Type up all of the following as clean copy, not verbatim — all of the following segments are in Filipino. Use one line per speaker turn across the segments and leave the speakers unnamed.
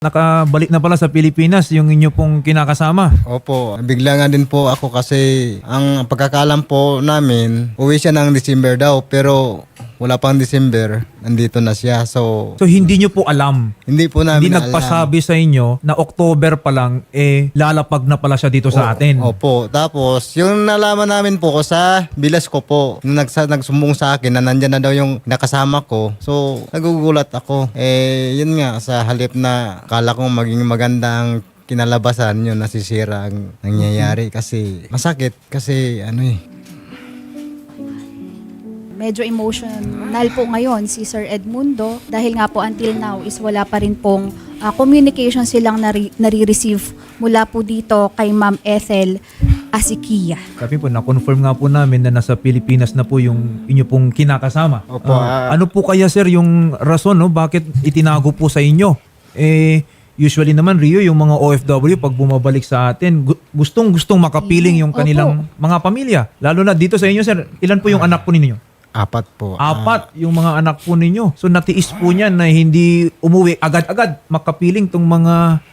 Nakabalik na pala sa Pilipinas yung inyo pong kinakasama.
Opo, bigla nga din po ako kasi ang pagkakalam po namin, uwi siya ng December daw pero wala pang December, nandito na siya. So,
So hindi nyo po alam,
hindi po namin
hindi
alam.
nagpasabi sa inyo na October pa lang lalapag na pala siya dito sa atin.
Opo, tapos yung nalaman namin po ko sa bilas ko po, nung nagsumbong sa akin na nandyan na daw yung nakasama ko. So, nagugulat ako. Yun nga, sa halip na akala kong maging magandang kinalabasan yun, nasisira ang nangyayari kasi masakit kasi
Medyo emotional po ngayon si Sir Edmundo dahil nga po until now is wala pa rin pong communication silang nare-receive mula po dito kay Ma'am Ethel Asikia.
Sabi po, na-confirm nga po namin na nasa Pilipinas na po yung inyo pong kinakasama.
Opo,
Ano po kaya sir yung rason bakit itinago po sa inyo? Usually naman Rio, yung mga OFW pag bumabalik sa atin, gustong makapiling yung kanilang mga pamilya. Lalo na dito sa inyo sir, ilan po yung anak po ninyo?
4 po.
4 yung mga anak po ninyo. So natiis po niya na hindi umuwi agad-agad makapiling tong mga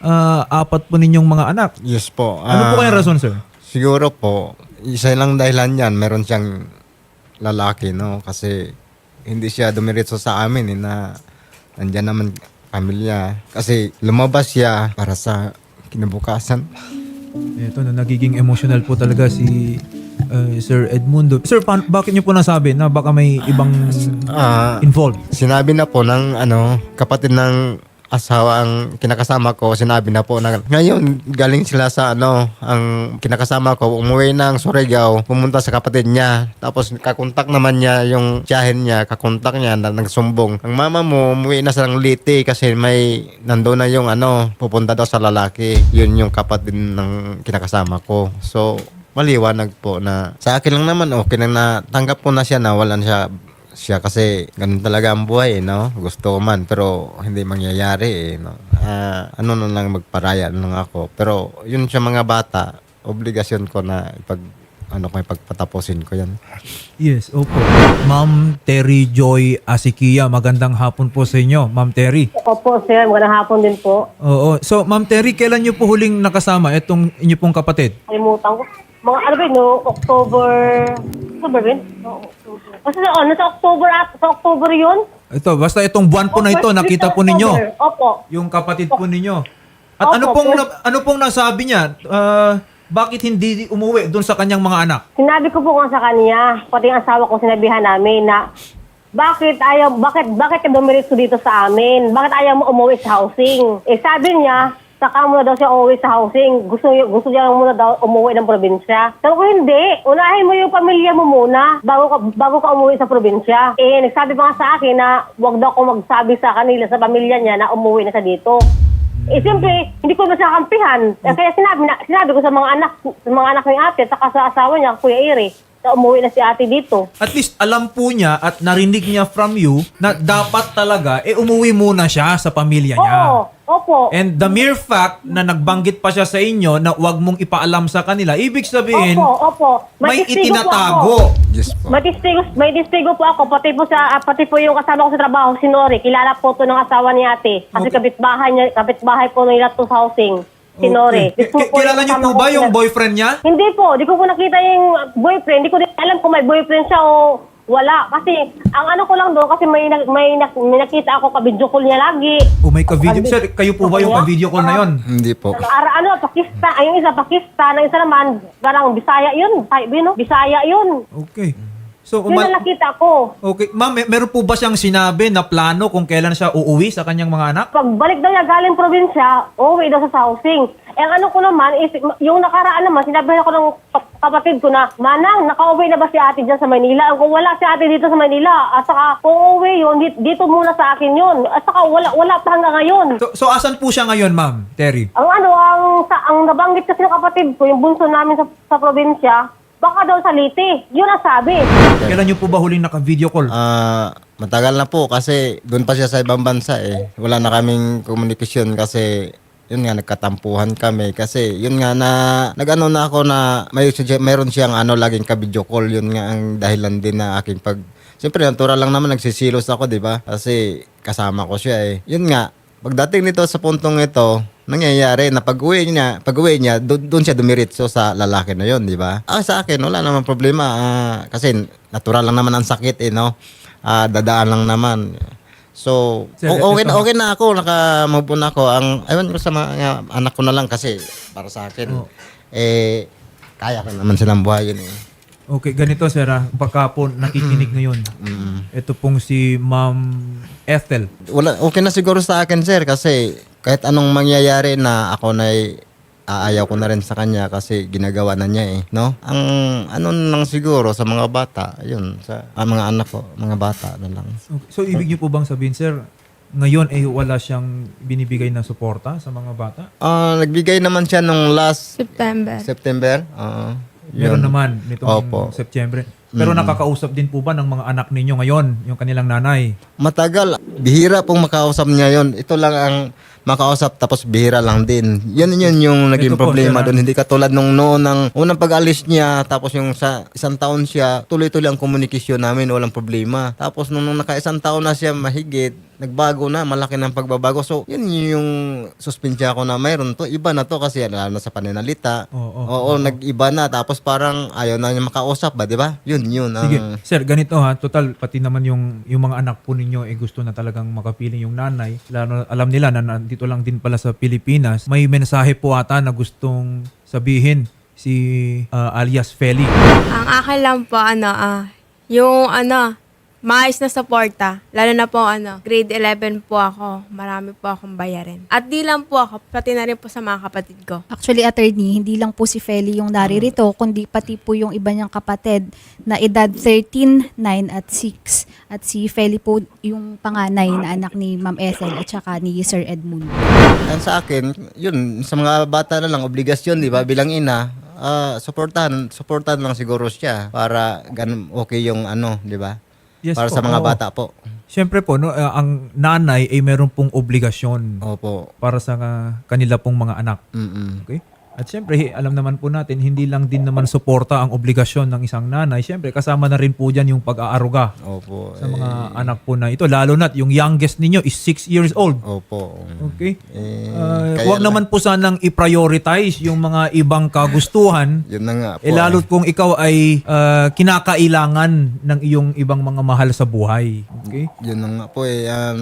4 po ninyong mga anak.
Yes po.
Ano po kayang rason sir?
Siguro po, isa lang dahilan yan, meron siyang lalaki, no? Kasi hindi siya dumiretso sa amin na nandyan naman pamilya. Kasi lumabas siya para sa kinabukasan.
Ito na nagiging emotional po talaga si Sir Edmundo. Sir, bakit niyo po nasabi na baka may ibang involved?
Sinabi na po ng kapatid ng asawa ang kinakasama ko, sinabi na po na ngayon galing sila sa ang kinakasama ko umuwi ng Surigao, pumunta sa kapatid niya, tapos kakontak naman niya yung tiyahin niya, kakontak niya na nagsumbong, ang mama mo umuwi na sa Liti kasi may nandoon na yung pupunta daw sa lalaki, yun yung kapatid ng kinakasama ko. So maliwanag po na sa akin lang naman okay na natanggap ko na siya na wala siya kasi ganun talaga ang buhay, no? Gusto ko man pero hindi mangyayari, no? Na lang magparaya lang ako. Pero yun sa mga bata, obligasyon ko na pagpatapusin ko yan.
Yes, opo. Ma'am Terry Joy Asikia, magandang hapon po sa inyo, Ma'am Terry.
Opo, sir. Magandang hapon din po.
Oo. So, Ma'am Terry, kailan niyo po huling nakasama itong inyo pong kapatid?
Kalimutan ko. Mga October ba yun? Basta nasa October yun?
Ito, basta itong buwan po na ito, nakita po ninyo.
Opo.
Yung kapatid po ninyo. At
Opo,
ano pong nasabi niya? Bakit hindi umuwi doon sa kanyang mga anak?
Sinabi ko po nga sa kanya, pati ang asawa ko sinabihan namin na bakit ka dumiretso dito sa amin? Bakit ayaw mo umuwi sa housing? Sabi niya, saka muna daw siya umuwi sa housing. Gusto niya muna daw umuwi ng probinsya. Sabi ko, hindi. Unahin mo yung pamilya mo muna bago ka umuwi sa probinsya. Nagsabi pa nga sa akin na wag daw ako magsabi sa kanila, sa pamilya niya na umuwi na siya dito. Siyempre, hindi ko masakampihan. Kaya sinabi ko sa mga anak ni ate, saka sa asawa niya, Kuya Iri, na umuwi na si ate dito.
At least alam po niya at narinig niya from you na dapat talaga umuwi muna siya sa pamilya niya.
Oo, opo.
And the mere fact na nagbanggit pa siya sa inyo na wag mong ipaalam sa kanila, ibig sabihin,
Opo.
may
testigo po ako.
itinatago.
Yes po.
May testigo po ako, pati po yung kasama ko sa trabaho, si Nori. Kilala po to ng asawa ni ate. Kasi
Okay.
kapitbahay po nila to sa housing. Si Nori.
Kilala niyo po ba yung boyfriend niya?
Hindi po, di ko po nakita yung boyfriend. Di ko din alam kung may boyfriend siya o wala. Kasi ang ko lang doon, kasi may nakita ako ka-video call niya lagi.
O may ka-video. Sir, kayo po ba yung ka-video call na yon?
Hindi po.
Pakistan. Yung isa Pakistan, ang isa naman, parang Bisaya yun. Bisaya yun.
Okay. So,
Yun ang nakita ko.
okay. Ma'am, meron po ba siyang sinabi na plano kung kailan siya uuwi sa kanyang mga anak?
Pagbalik daw niya galing probinsya, uuwi daw sa housing. Ang ko naman is, yung nakaraan naman, sinabi ko ng kapatid ko na, Manang, nakauwi na ba si ate dyan sa Maynila? Kung wala si ate dito sa Maynila, at saka kung uuwi yun, dito muna sa akin yun. At saka wala pa hanggang ngayon.
So asan po siya ngayon, Ma'am Terry?
Ang nabanggit kasi ng kapatid ko, yung bunso namin sa probinsya, baka daw sa Liti. Yun ang sabi.
Kailan niyo po ba huling naka-video call?
Matagal na po kasi doon pa siya sa ibang bansa Wala na kaming komunikasyon kasi yun nga nagkatampuhan kami kasi yun nga na nag-ano na ako na mayroon siyang laging ka-video call, yun nga ang dahilan din na aking Siyempre natural lang naman nagsisilos ako, di ba? Kasi kasama ko siya Yun nga, Pagdating nito sa puntong ito, nangyayari na pag-uwi niya, doon siya dumiritso sa lalaki na yon, di ba? Sa akin, wala naman problema. Kasi natural lang naman ang sakit, no? Dadaan lang naman. So,
Sir,
okay na ako, naka-move on ako. Ewan ko sa mga anak ko na lang kasi para sa akin, kaya ko naman silang buhayin eh.
Okay, ganito sir, baka po nakikinig ngayon. Ito pong si Ma'am Ethel.
Okay na siguro sa akin, sir, kasi kahit anong mangyayari na ako na aayaw ko na rin sa kanya kasi ginagawa na niya no? Ang ano lang siguro sa mga bata, yun, sa mga anak ko, mga bata na lang.
Okay. So, ibig niyo po bang sabihin, sir, ngayon wala siyang binibigay na suporta sa mga bata?
Nagbigay naman siya nung last
September.
Meron naman nitong
Opo.
September. Pero nakakausap din po ba ng mga anak ninyo ngayon, yung kanilang nanay?
Matagal, bihira pong makausap niya yon. Ito lang ang makausap tapos bihira lang din. Yun yung naging
Ito po,
problema
sir,
doon. Hindi katulad nung noon ng unang pag-alis niya tapos yung sa isang taon siya, tuloy-tuloy ang komunikasyon namin, walang problema. Tapos nung naka-isang taon na siya mahigit, nagbago na, malaki ng pagbabago. So, yun yung suspensya ko na mayroon to. Iba na to kasi lalo na sa pananalita. Oo, nag-iba na. Tapos parang ayaw na niya makausap ba, di ba? Yun.
Sige, sir, ganito ha. Total, pati naman yung mga anak po ninyo gusto na talagang makapiling yung nanay. Lalo, alam nila na nandito lang din pala sa Pilipinas. May mensahe po ata na gustong sabihin si alias Feli.
Ang akin lang po, yung maayos na suporta. Lalo na po, grade 11 po ako. Marami po akong bayarin. At di lang po ako, pati na rin po sa mga kapatid ko.
Actually, attorney, hindi lang po si Feli yung naririto, kundi pati po yung iba niyang kapatid na edad 13, 9 at 6. At si Feli po yung panganay na anak ni Ma'am Ethel at saka ni Sir Edmundo.
Sa akin, yun, sa mga bata na lang, obligasyon, di ba? Bilang ina, supportahan lang siguro siya para ganun okay yung di ba?
Yes
Para
po,
sa mga
oo.
bata po.
Siyempre po, no, ang nanay ay meron pong obligasyon
Opo.
para sa kanila pong mga anak.
Mm-mm.
Okay? At siyempre, alam naman po natin, hindi lang din naman suporta ang obligasyon ng isang nanay. Siyempre, kasama na rin po dyan yung pag-aaruga
Opo.
sa mga anak po na ito. Lalo na't yung youngest ninyo is 6 years old.
Opo.
Okay?
Kaya
Huwag naman po sanang i-prioritize yung mga ibang kagustuhan.
Yun na nga po.
Lalo kung ikaw ay kinakailangan ng iyong ibang mga mahal sa buhay. Okay?
Yun na nga po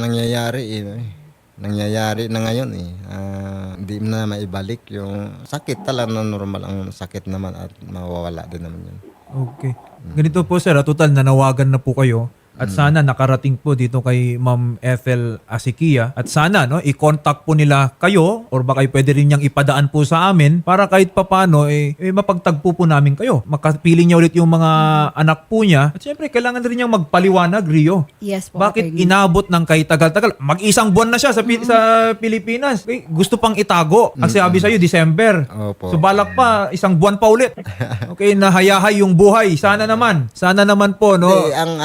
nangyayari na ngayon hindi na maibalik yung sakit talaga na normal ang sakit naman at mawawala din naman yun.
Okay. Ganito po sir, total nanawagan na po kayo. At sana nakarating po dito kay Ma'am Ethel Asikia. At sana i-contact po nila kayo or baka pwede rin niyang ipadaan po sa amin para kahit papano mapagtagpo po namin kayo. Makapiling niya ulit yung mga anak po niya. At syempre kailangan rin niyang magpaliwanag, Rio.
Yes po,
Bakit
attorney.
inabot ng kay tagal-tagal? Mag-isang buwan na siya sa Pilipinas. Okay, gusto pang itago. Ang sabi sa'yo, December.
Opo.
So balak pa, isang buwan pa ulit. Okay, nahayahay yung buhay. Sana naman po, no?
Ang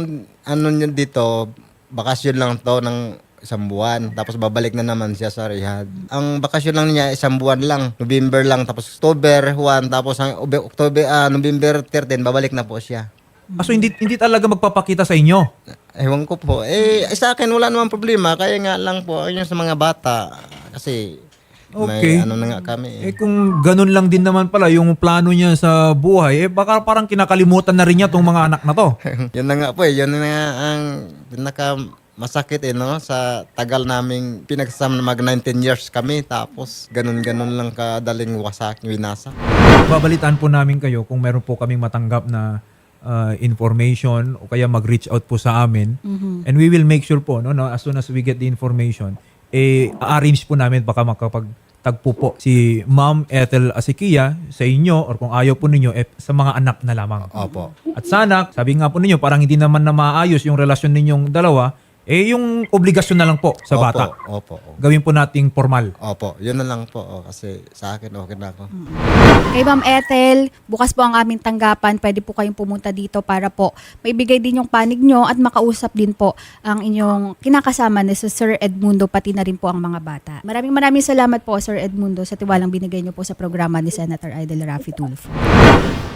nyo dito, bakasyon lang to ng isang buwan. Tapos babalik na naman siya sa rehab. Ang bakasyon lang niya, isang buwan lang. November lang. Tapos October 1. Tapos November 13, babalik na po siya.
So hindi talaga magpapakita sa inyo.
Ewan ko po. Sa akin wala namang problema. Kaya nga lang po, ayun sa mga bata. Kasi
Okay.
may na nga kami.
Kung ganun lang din naman pala yung plano niya sa buhay, baka parang kinakalimutan na rin niya tong mga anak na to.
Yun na nga po Yun na nga ang pinaka masakit no? Sa tagal naming pinagsama mag 19 years kami. Tapos ganun-ganun lang kadaling winasa.
Babalitaan po namin kayo kung meron po kaming matanggap na information o kaya mag-reach out po sa amin. And we will make sure po, as soon as we get the information, arrange po namin baka makapagtagpo po si Ma'am Ethel Asikia sa inyo or kung ayaw po ninyo, sa mga anak na lamang.
Opo.
At sana, sabi nga po ninyo, parang hindi naman na maayos yung relasyon ninyong dalawa, yung obligasyon na lang po sa bata.
Opo.
Gawin po nating formal.
Opo. Yun na lang po. Kasi sa akin okay na ako.
Kay Ma'am Ethel, bukas po ang aming tanggapan. Pwede po kayong pumunta dito para po maibigay din yung panig nyo at makausap din po ang inyong kinakasama ni Sir Edmundo, pati na rin po ang mga bata. Maraming salamat po, Sir Edmundo, sa tiwalang binigay nyo po sa programa ni Senator Idol Raffy Tulfo.